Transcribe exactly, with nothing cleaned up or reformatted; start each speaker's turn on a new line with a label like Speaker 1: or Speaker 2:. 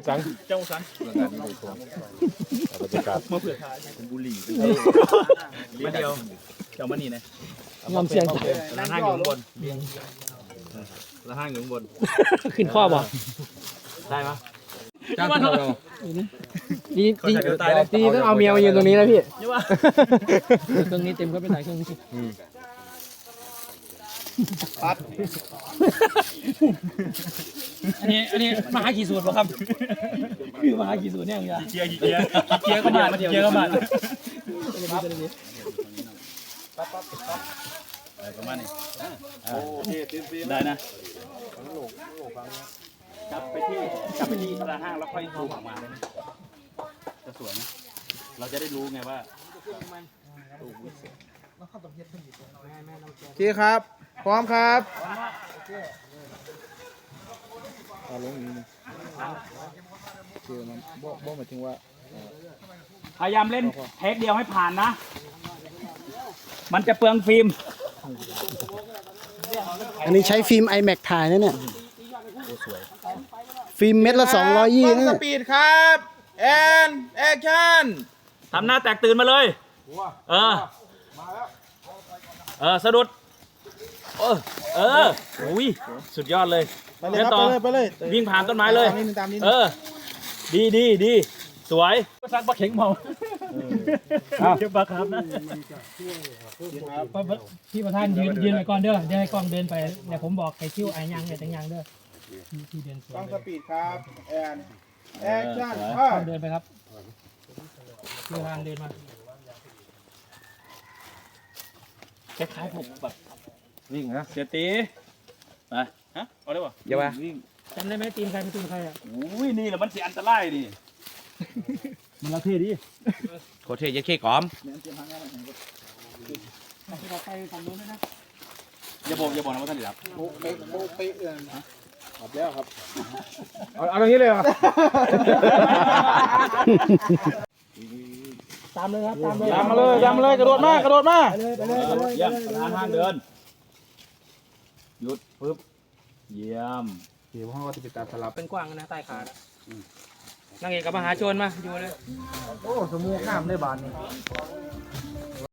Speaker 1: สัง
Speaker 2: เจ้าสัน
Speaker 1: บรรยากาศ
Speaker 2: มาเผื่อทายบุหรี่มาเดียวเจ้ามานี่นะ
Speaker 3: งอมเสียง
Speaker 2: แล้วห้างอยู่ข้างบนแล้วห้างอยู่ข้างบน
Speaker 3: ขึ้นข้อบ่
Speaker 2: ได้ปะ
Speaker 1: จ้างเรา
Speaker 3: ดีดีดีต้องเอาเมียมายืนตรงนี้นะพี่
Speaker 2: ใช่ปะ
Speaker 3: เครื่องนี้เต็มก็ไปไหนเครื่องนี้ปัดอันนี้อันนี้มหากี่สูตรป่ะครับคือมหากี่สูตรเนี่ยมึงอย่า
Speaker 2: เกียร์เกียร์เกียร์ก็มาเกียร์ก็มาประมาณนี้ได้นะจับไปที่จับไปที่ร้านห้างแล้วค่อยดูออกมาเลยนะจะสวยนะเราจะได้รู้ไงว่า
Speaker 4: โอเคครับพร้อมครับ
Speaker 1: เอาลงนี้คือมันบ่บ่หมายถึงว่า
Speaker 2: พยายามเล่นเทคเดียวให้ผ่านนะ มันจะเปลืองฟิล์ม
Speaker 4: อันนี้ใช้ฟิล์ม ไอแม็ก ถ่ายนะเนี่ยฟิล์มเม็ดละสองร้อยยี่นะ
Speaker 5: สปีดครับแอนแอคชั่น
Speaker 2: ทำหน้าแตกตื่นมาเลย เออ เออสะดุด เออ เอออุ้ยสุดยอดเลย
Speaker 5: ไปเลยครับไปเลยไปเลย
Speaker 2: วิ่งผ่านต้นไม้เลย
Speaker 5: ตามนี้ตามนี้
Speaker 2: เออ ดีดีดีสวยสักปลาเข็งเมาเก็บปลาครับนะ
Speaker 3: พี่ประธานยืนยืนไปก่อนเด้อเดี๋ยวให้กล้องเดินไปเดี๋ยวผมบอกไอ้คิ้วไอ้ยังไอ้ตังยังเด้อพี่เดินสวน
Speaker 5: ต้อง
Speaker 3: เล
Speaker 5: ส
Speaker 3: ย
Speaker 5: ปีดครับแอนแอคชั่น
Speaker 3: กล้องเดินไปครับพี่ประธานเดินมา
Speaker 2: คล้ายๆผมแบบ
Speaker 1: วิ่งนะ
Speaker 2: เสียตีไปฮะเอาได้ป่ะ
Speaker 1: อย่ามา
Speaker 3: จำได้ไหมทีมใครเป็นทีมใครอ่ะ
Speaker 2: อุ้ยนี่แหละมันเสียอันตรายดิมันละเท่ดิ
Speaker 1: โคเทยะเข้กอม
Speaker 3: เราไปฝั่งนู้นด้วยนะ
Speaker 2: อย่าบอกอย่าบอกนะว่าท่านได้รับ
Speaker 5: โป๊ะเป๊ะโป๊ะเป๊ะเลยครับแล้วครับ
Speaker 1: เอาเอาตรงนี้เลยเหรอ
Speaker 3: ตามเลยครับตามเลย
Speaker 5: ยามมาเลยยามมาเลยกระโดดมากระโดดมา
Speaker 3: ไปเลยไปเลยไปเลย
Speaker 2: เยี่ยมประธานห้างเดินหยุดปึ๊บเยี่ยม
Speaker 1: เดี๋ยวพ่อจะไปตัดสลับ
Speaker 3: เป็นกว้างนะใต้ขาน่ะนางเอกกับมหาชนมาอยู่เลย
Speaker 5: โอ้สมูกน้ำได้บานนี่